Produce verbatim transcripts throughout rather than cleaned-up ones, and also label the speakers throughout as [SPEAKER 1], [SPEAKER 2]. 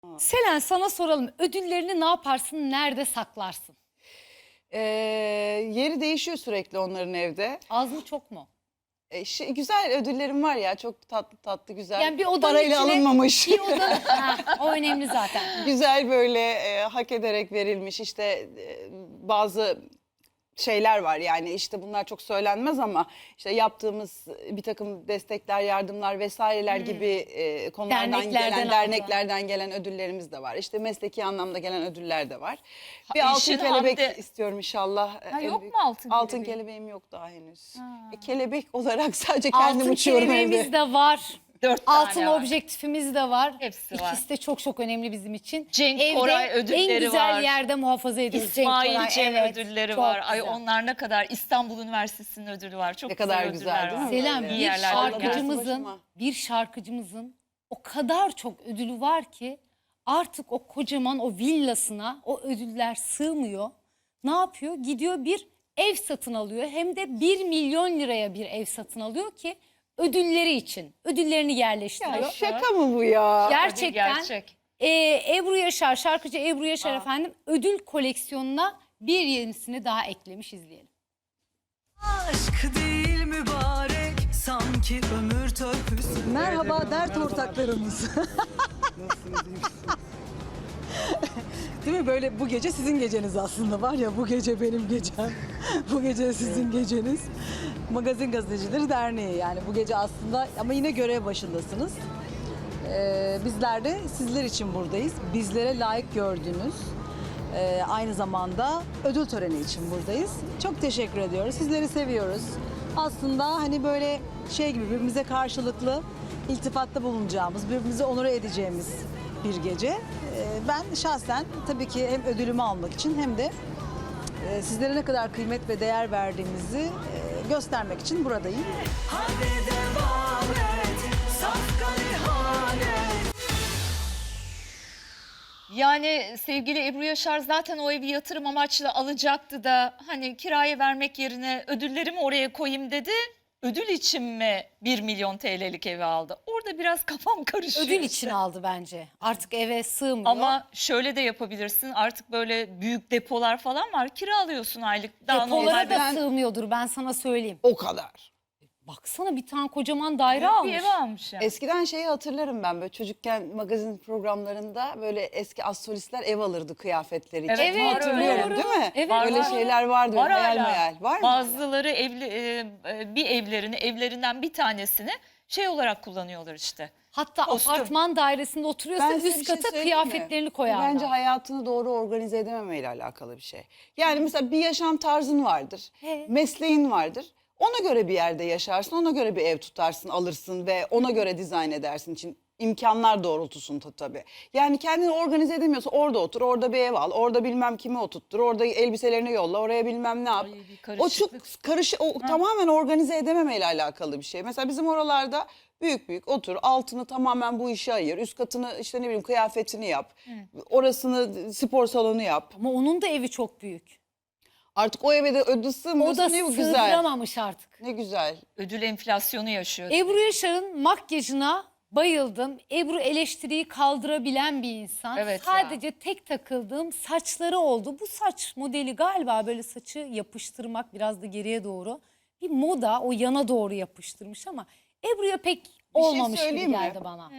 [SPEAKER 1] Selen, sana soralım. Ödüllerini ne yaparsın, nerede saklarsın?
[SPEAKER 2] Ee, yeri değişiyor sürekli onların evde.
[SPEAKER 1] Az mı çok mu?
[SPEAKER 2] Ee, şey, güzel ödüllerim var ya, çok tatlı tatlı güzel.
[SPEAKER 1] Yani bir odanın
[SPEAKER 2] Parayla
[SPEAKER 1] içine,
[SPEAKER 2] alınmamış.
[SPEAKER 1] Bir odanın, ha, o önemli zaten.
[SPEAKER 2] Güzel böyle e, hak ederek verilmiş işte e, bazı şeyler var, yani işte bunlar çok söylenmez ama işte yaptığımız bir takım destekler, yardımlar vesaireler
[SPEAKER 1] Hmm.
[SPEAKER 2] gibi e, konulardan
[SPEAKER 1] Derneklerden
[SPEAKER 2] gelen,
[SPEAKER 1] aldın.
[SPEAKER 2] derneklerden gelen ödüllerimiz de var. İşte mesleki anlamda gelen ödüller de var. Bir
[SPEAKER 3] Ha,
[SPEAKER 2] altın
[SPEAKER 3] işin
[SPEAKER 2] kelebek
[SPEAKER 3] hamdi-
[SPEAKER 2] istiyorum inşallah.
[SPEAKER 3] Ha,
[SPEAKER 2] En
[SPEAKER 3] yok
[SPEAKER 2] büyük-
[SPEAKER 3] mu altın
[SPEAKER 2] Altın
[SPEAKER 3] kelebeğin?
[SPEAKER 2] kelebeğim yok daha henüz.
[SPEAKER 3] Ha.
[SPEAKER 2] E, kelebek olarak sadece kendim
[SPEAKER 1] Altın
[SPEAKER 2] uçuyorum
[SPEAKER 1] kelebeğimiz
[SPEAKER 2] evde.
[SPEAKER 1] de var.
[SPEAKER 3] Dört tane
[SPEAKER 1] Altın
[SPEAKER 3] var.
[SPEAKER 1] objektifimiz de var.
[SPEAKER 3] Hepsi var.
[SPEAKER 1] İkisi de çok çok önemli bizim için.
[SPEAKER 3] Cenk
[SPEAKER 1] Evde
[SPEAKER 3] Koray ödülleri
[SPEAKER 1] en güzel
[SPEAKER 3] var.
[SPEAKER 1] yerde muhafaza ediyoruz.
[SPEAKER 3] İsmail
[SPEAKER 1] Cenk Koray,
[SPEAKER 3] Cem
[SPEAKER 1] evet,
[SPEAKER 3] ödülleri
[SPEAKER 1] çok
[SPEAKER 3] var. Ay
[SPEAKER 1] güzel.
[SPEAKER 3] onlar ne kadar. İstanbul Üniversitesi'nin ödülü var. Çok
[SPEAKER 2] Ne kadar
[SPEAKER 3] güzel
[SPEAKER 2] güzel,
[SPEAKER 3] ödüller
[SPEAKER 2] değil
[SPEAKER 3] var.
[SPEAKER 2] mi?
[SPEAKER 1] Selam,
[SPEAKER 2] Böyle.
[SPEAKER 1] bir
[SPEAKER 3] İyi yerlerden
[SPEAKER 1] şarkıcımızın,
[SPEAKER 2] başıma.
[SPEAKER 1] bir şarkıcımızın o kadar çok ödülü var ki artık o kocaman o villasına o ödüller sığmıyor. Ne yapıyor? Gidiyor bir ev satın alıyor. Hem de bir milyon liraya bir ev satın alıyor ki ödülleri için. Ödüllerini yerleştiriyor.
[SPEAKER 2] Ya şaka mı bu ya?
[SPEAKER 1] Gerçekten
[SPEAKER 3] Gerçek.
[SPEAKER 1] e, Ebru Yaşar, şarkıcı Ebru Yaşar
[SPEAKER 3] Aa.
[SPEAKER 1] efendim ödül koleksiyonuna bir yenisini daha eklemiş, izleyelim.
[SPEAKER 4] Aşk değil mübarek sanki ömür törpüsü.
[SPEAKER 5] Merhaba dert ortaklarımız. Değil mi? Böyle bu gece sizin geceniz aslında, var ya, bu gece benim gecem. Bu gece sizin geceniz. Magazin Gazetecileri Derneği, yani bu gece aslında, ama yine görev başındasınız. Ee, bizler de sizler için buradayız. Bizlere layık gördüğünüz, e, aynı zamanda ödül töreni için buradayız. Çok teşekkür ediyoruz. Sizleri seviyoruz. Aslında hani böyle şey gibi birbirimize karşılıklı iltifatta bulunacağımız, birbirimizi onur edeceğimiz bir gece. Ee, ben şahsen tabii ki hem ödülümü almak için hem de e, sizlere ne kadar kıymet ve değer verdiğimizi e, göstermek için buradayım.
[SPEAKER 4] Hadi devam et safkan ihanet.
[SPEAKER 3] Yani sevgili Ebru Yaşar zaten o evi yatırım amaçlı alacaktı da hani kiraya vermek yerine ödüllerimi oraya koyayım dedi. Ödül için mi bir milyon T L'lik evi aldı? Orada biraz kafam karışıyor.
[SPEAKER 1] Ödül
[SPEAKER 3] işte.
[SPEAKER 1] için aldı bence. Artık eve sığmıyor.
[SPEAKER 3] Ama şöyle de yapabilirsin. Artık böyle büyük depolar falan var. Kiralıyorsun aylık. Daha
[SPEAKER 1] depolara
[SPEAKER 3] normal
[SPEAKER 1] da
[SPEAKER 2] Ben-
[SPEAKER 1] sığmıyordur, ben sana söyleyeyim.
[SPEAKER 2] O kadar.
[SPEAKER 1] Baksana, bir tane kocaman daire
[SPEAKER 3] bir
[SPEAKER 1] almış.
[SPEAKER 3] ev almış yani.
[SPEAKER 2] Eskiden şeyi hatırlarım ben, böyle çocukken magazin programlarında böyle eski astrolistler ev alırdı kıyafetleri için.
[SPEAKER 3] Evet,
[SPEAKER 1] Evet,
[SPEAKER 2] Hatırlıyorum,
[SPEAKER 1] doğru.
[SPEAKER 2] değil mi?
[SPEAKER 1] Evet,
[SPEAKER 2] Öyle
[SPEAKER 3] var.
[SPEAKER 2] şeyler vardı.
[SPEAKER 3] Var
[SPEAKER 2] hayal
[SPEAKER 3] hala.
[SPEAKER 2] meyal. Var mı?
[SPEAKER 3] Bazıları evli, e, e, bir evlerini, evlerinden bir tanesini şey olarak kullanıyorlar işte.
[SPEAKER 1] Hatta
[SPEAKER 3] Kostüm.
[SPEAKER 1] apartman dairesinde oturuyorsa
[SPEAKER 2] Ben size
[SPEAKER 1] üst
[SPEAKER 2] bir şey
[SPEAKER 1] kata
[SPEAKER 2] söyleyeyim mi?
[SPEAKER 1] kıyafetlerini
[SPEAKER 2] Bu
[SPEAKER 1] koyarlar.
[SPEAKER 2] bence hayatını doğru organize edememeyle alakalı bir şey. Yani mesela bir yaşam tarzın vardır.
[SPEAKER 1] He.
[SPEAKER 2] Mesleğin vardır. Ona göre bir yerde yaşarsın, ona göre bir ev tutarsın, alırsın ve ona göre dizayn edersin için imkanlar doğrultusunda tabii. Yani kendini organize edemiyorsa orada otur, orada bir ev al, orada bilmem kimi oturttur, orada elbiselerini yolla, oraya bilmem ne yap.
[SPEAKER 3] Ay, bir
[SPEAKER 2] O çok
[SPEAKER 3] karışıklık.
[SPEAKER 2] karış, o tamamen organize edememeyle alakalı bir şey. Mesela bizim oralarda büyük büyük otur, altını tamamen bu işe ayır, üst katını işte ne bileyim kıyafetini yap, orasını spor salonu yap.
[SPEAKER 1] Ama onun da evi çok büyük.
[SPEAKER 2] Artık o eve de ödül
[SPEAKER 1] O
[SPEAKER 2] sığmıyorsa
[SPEAKER 1] da
[SPEAKER 2] ne bu güzel.
[SPEAKER 1] sığdıramamış artık.
[SPEAKER 2] Ne güzel.
[SPEAKER 3] Ödül enflasyonu yaşıyor.
[SPEAKER 1] Ebru Yaşar'ın makyajına bayıldım. Ebru eleştiriyi kaldırabilen bir insan.
[SPEAKER 3] Evet
[SPEAKER 1] Sadece tek takıldığım saçları oldu. Bu saç modeli galiba böyle saçı yapıştırmak, biraz da geriye doğru. Bir moda, o yana doğru yapıştırmış ama Ebru'ya pek olmamış gibi
[SPEAKER 2] söyleyeyim mi?
[SPEAKER 1] geldi bana.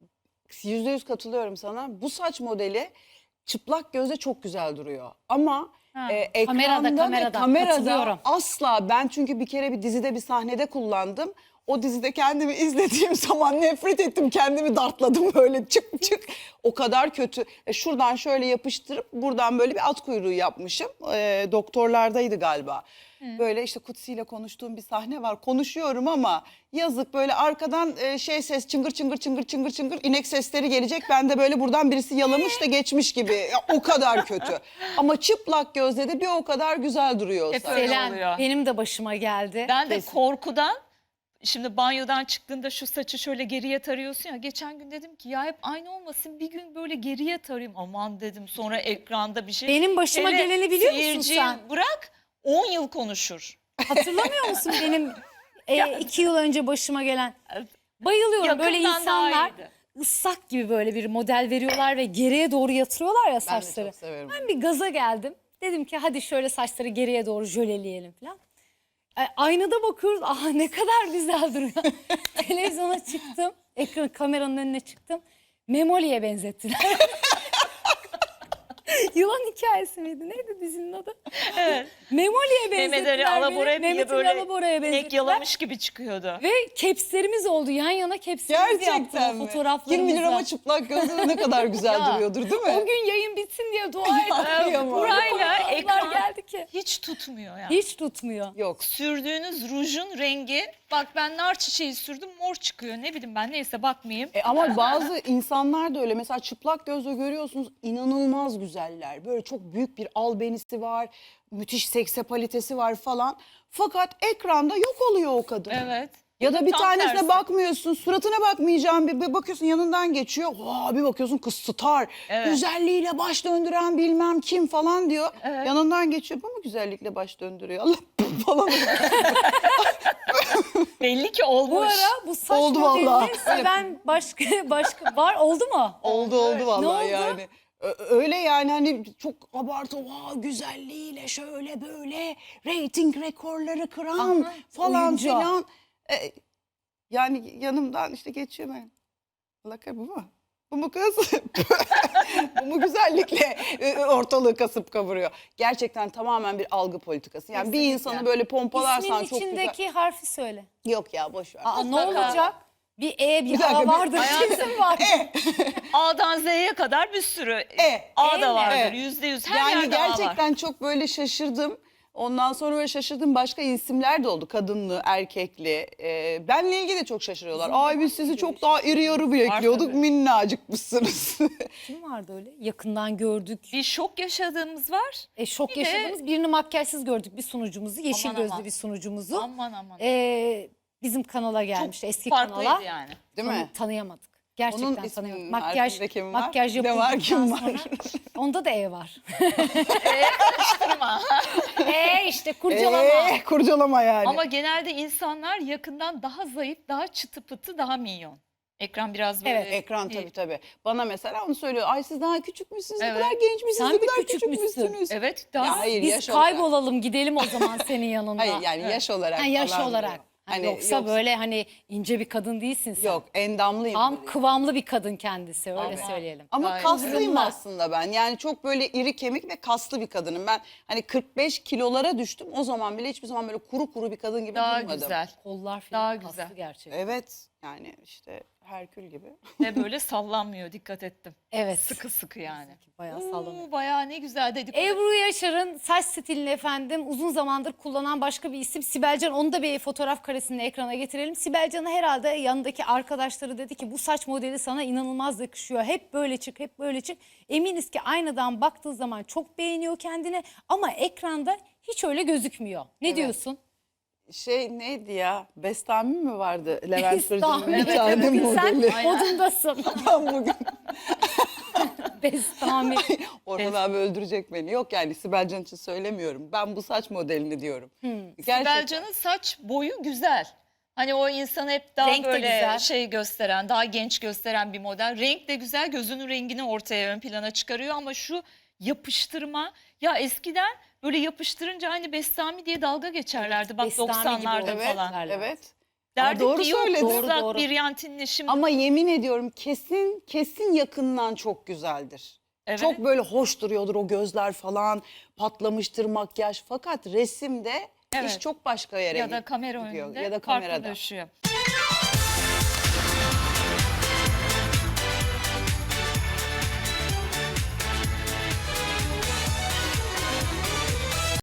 [SPEAKER 2] Yüzde yüz katılıyorum sana. Bu saç modeli çıplak gözle çok güzel duruyor. Ama
[SPEAKER 3] Ha.
[SPEAKER 2] e, ekranda
[SPEAKER 1] Kamerada,
[SPEAKER 2] ve
[SPEAKER 1] kamerada
[SPEAKER 2] kamerada
[SPEAKER 1] katılıyorum.
[SPEAKER 2] asla, ben çünkü bir kere bir dizide bir sahnede kullandım. O dizide kendimi izlediğim zaman nefret ettim. Kendimi dartladım böyle çık çık. O kadar kötü. E, şuradan şöyle yapıştırıp buradan böyle bir at kuyruğu yapmışım. E, doktorlardaydı galiba. Böyle işte Kutsi ile konuştuğum bir sahne var. Konuşuyorum ama yazık, böyle arkadan e, şey ses, çıngır çıngır çıngır çıngır çıngır inek sesleri gelecek. Ben de böyle buradan birisi yalamış da geçmiş gibi. Ya, o kadar kötü. Ama çıplak gözle de bir o kadar güzel duruyor o
[SPEAKER 3] Hep
[SPEAKER 2] saç.
[SPEAKER 3] öyle
[SPEAKER 1] Selen,
[SPEAKER 3] oluyor.
[SPEAKER 1] benim de başıma geldi.
[SPEAKER 3] Ben de
[SPEAKER 2] Kesin.
[SPEAKER 3] korkudan şimdi banyodan çıktığında şu saçı şöyle geriye tarıyorsun ya. Geçen gün dedim ki ya hep aynı olmasın, bir gün böyle geriye tarayayım. Aman dedim, sonra ekranda bir şey.
[SPEAKER 1] Benim başıma
[SPEAKER 3] Hele
[SPEAKER 1] geleni biliyor musun
[SPEAKER 3] seyirciyi
[SPEAKER 1] sen?
[SPEAKER 3] bırak on yıl konuşur.
[SPEAKER 1] Hatırlamıyor musun benim e, iki yıl önce başıma gelen? Bayılıyorum böyle
[SPEAKER 3] Yakından daha
[SPEAKER 1] insanlar
[SPEAKER 3] iyiydi.
[SPEAKER 1] ıslak gibi böyle bir model veriyorlar ve geriye doğru yatırıyorlar ya
[SPEAKER 2] Ben de
[SPEAKER 1] saçları.
[SPEAKER 2] çok severim.
[SPEAKER 1] Ben bir gaza geldim. Dedim ki hadi şöyle saçları geriye doğru jöleleyelim falan. E, aynada bakıyoruz. Aha ne kadar güzel duruyor. Televizyona çıktım. Ekran kameranın önüne çıktım. Memoli'ye benzettiler. Yılan hikayesi miydi? Neydi dizinin adı?
[SPEAKER 3] Evet.
[SPEAKER 1] Memoli'ye benzettiler
[SPEAKER 3] Mehmet Ali
[SPEAKER 1] beni.
[SPEAKER 3] Alabora'ya bir
[SPEAKER 1] Mehmet Ali
[SPEAKER 3] böyle
[SPEAKER 1] Alabora'ya
[SPEAKER 3] inek
[SPEAKER 1] benzettiler.
[SPEAKER 3] yalamış gibi çıkıyordu.
[SPEAKER 1] Ve kepslerimiz oldu. Yan yana kepslerimiz
[SPEAKER 2] Gerçekten
[SPEAKER 1] yaptılar
[SPEAKER 2] mi?
[SPEAKER 1] fotoğraflarımızla.
[SPEAKER 2] Kim bilir ama çıplak gözle ne kadar güzel
[SPEAKER 3] Ya,
[SPEAKER 2] duruyordur değil mi?
[SPEAKER 1] O gün yayın bitsin diye dua ettim.
[SPEAKER 2] Kıyamam.
[SPEAKER 3] Burayla
[SPEAKER 1] Fotoğraflar
[SPEAKER 3] ekran
[SPEAKER 1] geldi ki.
[SPEAKER 3] hiç tutmuyor ya.
[SPEAKER 1] Hiç tutmuyor.
[SPEAKER 2] Yok.
[SPEAKER 3] Sürdüğünüz rujun rengi, bak ben nar çiçeği sürdüm mor çıkıyor, ne bileyim ben, neyse bakmayayım.
[SPEAKER 2] E ama bazı insanlar da öyle. Mesela çıplak gözle görüyorsunuz, inanılmaz güzeller. Böyle çok büyük bir albenisi var, müthiş seksapalitesi var falan. Fakat ekranda yok oluyor o kadın.
[SPEAKER 3] Evet.
[SPEAKER 2] Ya da bir
[SPEAKER 3] Tam
[SPEAKER 2] tanesine
[SPEAKER 3] tersi.
[SPEAKER 2] bakmıyorsun, suratına bakmayacağım, bir, bir bakıyorsun yanından geçiyor. Vaa, bir bakıyorsun kız star,
[SPEAKER 3] Evet.
[SPEAKER 2] güzelliğiyle baş döndüren bilmem kim falan diyor.
[SPEAKER 3] Evet.
[SPEAKER 2] Yanından geçiyor, bu mu güzellikle baş döndürüyor? Allah falan.
[SPEAKER 3] Belli ki olmuş.
[SPEAKER 1] Bu ara bu saç
[SPEAKER 2] Oldu vallahi.
[SPEAKER 1] modelini seven başka başka var oldu mu?
[SPEAKER 2] Oldu oldu vallahi
[SPEAKER 1] oldu?
[SPEAKER 2] yani. Ö- Öyle yani hani çok abartı, vaa güzelliğiyle şöyle böyle rating rekorları kıran
[SPEAKER 1] Aha,
[SPEAKER 2] falan
[SPEAKER 1] oyuncu.
[SPEAKER 2] filan. E, yani yanımdan işte geçiyor ben. Allah kah- bu mu? Bu mu kız? Bu mu güzellikle e, ortalığı kasıp kavuruyor? Gerçekten tamamen bir algı politikası. Yani bir
[SPEAKER 3] Kesinlikle.
[SPEAKER 2] insanı böyle pompalarsan
[SPEAKER 1] İsminin
[SPEAKER 2] çok
[SPEAKER 1] içindeki
[SPEAKER 2] güzel.
[SPEAKER 1] harfi söyle.
[SPEAKER 2] Yok ya boş ver.
[SPEAKER 1] Aa, ne
[SPEAKER 3] Mutlaka.
[SPEAKER 1] olacak? Bir E bir,
[SPEAKER 2] Bir dakika,
[SPEAKER 1] A
[SPEAKER 2] bir-
[SPEAKER 1] vardır. Kesin var.
[SPEAKER 3] A'dan Z'ye kadar bir sürü
[SPEAKER 2] E,
[SPEAKER 3] A
[SPEAKER 1] E
[SPEAKER 3] da
[SPEAKER 1] mi?
[SPEAKER 3] vardır.
[SPEAKER 2] Evet.
[SPEAKER 3] Yüzde yüz her
[SPEAKER 2] Yani
[SPEAKER 3] yerde A var.
[SPEAKER 2] gerçekten çok böyle şaşırdım. Ondan sonra böyle şaşırdığım başka isimler de oldu. Kadınlı, erkekli. Ee, benle ilgili de çok şaşırıyorlar. Ay biz sizi çok daha iri yarı bekliyorduk.
[SPEAKER 3] tabii.
[SPEAKER 2] Minnacıkmışsınız.
[SPEAKER 1] Kim vardı öyle? Yakından gördük.
[SPEAKER 3] Bir şok yaşadığımız var.
[SPEAKER 1] E, şok
[SPEAKER 3] Bir de-
[SPEAKER 1] yaşadığımız birini makyajsız gördük bir sunucumuzu. Yeşil
[SPEAKER 3] Aman
[SPEAKER 1] gözlü
[SPEAKER 3] aman.
[SPEAKER 1] bir sunucumuzu.
[SPEAKER 3] Aman aman.
[SPEAKER 1] E, bizim kanala gelmişti. Eski
[SPEAKER 3] Farklıydı
[SPEAKER 1] kanala.
[SPEAKER 3] yani.
[SPEAKER 2] Değil
[SPEAKER 1] Tanı-
[SPEAKER 2] mi?
[SPEAKER 1] Tanıyamadık. Gerçekten
[SPEAKER 2] Onun isminin
[SPEAKER 1] tanıyamadık. Makyaj,
[SPEAKER 2] harfinde kim var?
[SPEAKER 1] makyaj
[SPEAKER 2] Ne var,
[SPEAKER 1] yapıldıktan
[SPEAKER 2] kim var?
[SPEAKER 1] sonra. Onda da E var.
[SPEAKER 3] Karıştırma.
[SPEAKER 1] E işte kurcalama.
[SPEAKER 2] Ee, kurcalama yani.
[SPEAKER 3] Ama genelde insanlar yakından daha zayıf, daha çıtı pıtı, daha minyon. Ekran biraz böyle.
[SPEAKER 1] Evet,
[SPEAKER 2] Ekran tabii tabii. Bana mesela onu söylüyor. Ay siz daha küçük müsünüz? Ne
[SPEAKER 3] Evet.
[SPEAKER 2] kadar genç misiniz?
[SPEAKER 1] Sen
[SPEAKER 2] Ne
[SPEAKER 1] bir
[SPEAKER 2] kadar
[SPEAKER 1] küçük
[SPEAKER 2] küçük
[SPEAKER 1] müsün?
[SPEAKER 2] müsünüz?
[SPEAKER 3] Evet, daha
[SPEAKER 2] Ya hayır,
[SPEAKER 1] Biz
[SPEAKER 2] yaş olarak.
[SPEAKER 1] kaybolalım gidelim o zaman senin yanında.
[SPEAKER 2] Hayır yani yaş olarak
[SPEAKER 1] Ha, yaş
[SPEAKER 2] falan
[SPEAKER 1] olarak.
[SPEAKER 2] diyor.
[SPEAKER 1] Ha,
[SPEAKER 2] Hani
[SPEAKER 1] yoksa,
[SPEAKER 2] yoksa-
[SPEAKER 1] böyle hani ince bir kadın değilsin sen.
[SPEAKER 2] Yok endamlıyım.
[SPEAKER 1] Tam
[SPEAKER 2] böyle.
[SPEAKER 1] kıvamlı bir kadın kendisi öyle
[SPEAKER 3] Ama-
[SPEAKER 1] söyleyelim.
[SPEAKER 2] Ama
[SPEAKER 3] Gayet
[SPEAKER 2] kaslıyım
[SPEAKER 1] hızlı.
[SPEAKER 2] aslında ben. Yani çok böyle iri kemik ve kaslı bir kadınım. Ben hani kırk beş kilolara düştüm. O zaman bile hiçbir zaman böyle kuru kuru bir kadın gibi
[SPEAKER 3] daha
[SPEAKER 2] durmadım.
[SPEAKER 3] güzel.
[SPEAKER 1] Kollar
[SPEAKER 3] Daha
[SPEAKER 1] falan
[SPEAKER 3] güzel.
[SPEAKER 1] kaslı gerçekten.
[SPEAKER 2] Evet yani işte Herkül gibi.
[SPEAKER 3] Ve böyle sallanmıyor, dikkat ettim.
[SPEAKER 1] Evet.
[SPEAKER 3] Sıkı sıkı yani.
[SPEAKER 1] Bayağı sallanıyor.
[SPEAKER 3] Oo, bayağı ne güzel dedik.
[SPEAKER 1] Ebru Yaşar'ın saç stilini efendim uzun zamandır kullanan başka bir isim Sibelcan. Onu da bir fotoğraf karesini ekrana getirelim. Sibelcan'a herhalde yanındaki arkadaşları dedi ki bu saç modeli sana inanılmaz yakışıyor. Hep böyle çık, hep böyle çık. Eminiz ki aynadan baktığı zaman çok beğeniyor kendini ama ekranda hiç öyle gözükmüyor. Ne
[SPEAKER 2] Evet.
[SPEAKER 1] diyorsun?
[SPEAKER 2] Şey neydi ya? Bestami mi vardı? Levent Kırca'nın
[SPEAKER 1] Bestami.
[SPEAKER 2] bir
[SPEAKER 1] Evet,
[SPEAKER 2] tane
[SPEAKER 1] evet.
[SPEAKER 2] modeli.
[SPEAKER 1] Sen modundasın.
[SPEAKER 2] Ben bugün
[SPEAKER 1] Bestami.
[SPEAKER 2] Orhan abi öldürecek beni. Yok yani Sibel Can için söylemiyorum. Ben bu saç modelini diyorum.
[SPEAKER 1] Hmm.
[SPEAKER 2] Gerçekten.
[SPEAKER 3] Belcan'ın saç boyu güzel. Hani o insanı hep daha
[SPEAKER 1] Renk de
[SPEAKER 3] böyle
[SPEAKER 1] güzel.
[SPEAKER 3] şey gösteren, daha genç gösteren bir model. Renk de güzel, gözünün rengini ortaya ön plana çıkarıyor ama şu yapıştırma, ya eskiden böyle yapıştırınca hani Bestami diye dalga geçerlerdi bak
[SPEAKER 1] Bestami gibi
[SPEAKER 3] doksanlarda
[SPEAKER 1] oldu.
[SPEAKER 2] Evet,
[SPEAKER 3] falan.
[SPEAKER 1] derler.
[SPEAKER 2] evet.
[SPEAKER 3] Derdik
[SPEAKER 2] doğru
[SPEAKER 3] ki yok
[SPEAKER 2] söyledin.
[SPEAKER 3] ıslak
[SPEAKER 1] Doğru, doğru.
[SPEAKER 3] bir yantinle şimdi.
[SPEAKER 2] Ama yemin ediyorum kesin kesin yakından çok güzeldir.
[SPEAKER 3] Evet.
[SPEAKER 2] Çok böyle hoş duruyordur o gözler falan, patlamıştır makyaj. Fakat resimde
[SPEAKER 3] Evet.
[SPEAKER 2] iş çok başka yere
[SPEAKER 3] ya da kamera
[SPEAKER 2] gidiyor.
[SPEAKER 3] önünde
[SPEAKER 2] Ya da kamerada.
[SPEAKER 3] farklılaşıyor.